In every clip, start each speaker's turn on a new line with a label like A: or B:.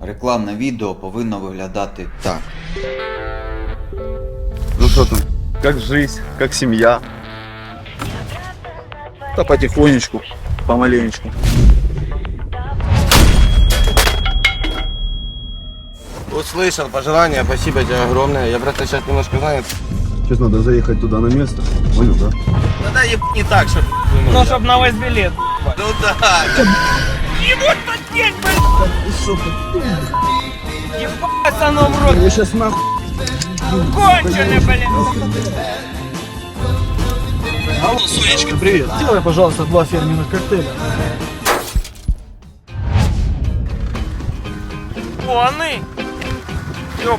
A: Рекламне відео повинно виглядати так.
B: Ну что там, как жизнь, как семья? Да потихонечку, помаленечку.
C: Услышал пожелания, спасибо тебе огромное. Я просто сейчас немножко занят.
B: Сейчас надо заехать туда на место, понял, да?
C: Да не так, чтобы...
D: Ну, чтоб на весь билет.
C: Ну да.
D: Ебать, потень, блядь! Ебать, оно в рот!
B: Я сейчас нахуй.
D: Конченый, блядь!
E: Алло, Сонечка, привет. Сделай, пожалуйста, 2 фирменных коктейля.
D: Вони! Ёп!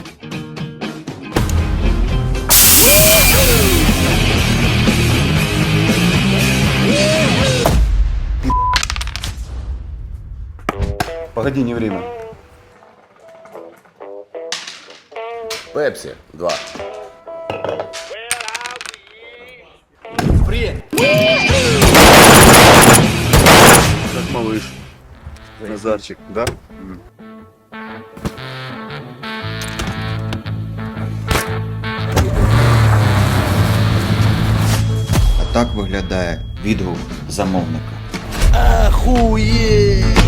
B: Погоди, не время.
C: Пепси 2.
B: Как малыш. Назарчик, да?
A: А так виглядає відгук замовника.
C: Охуеть!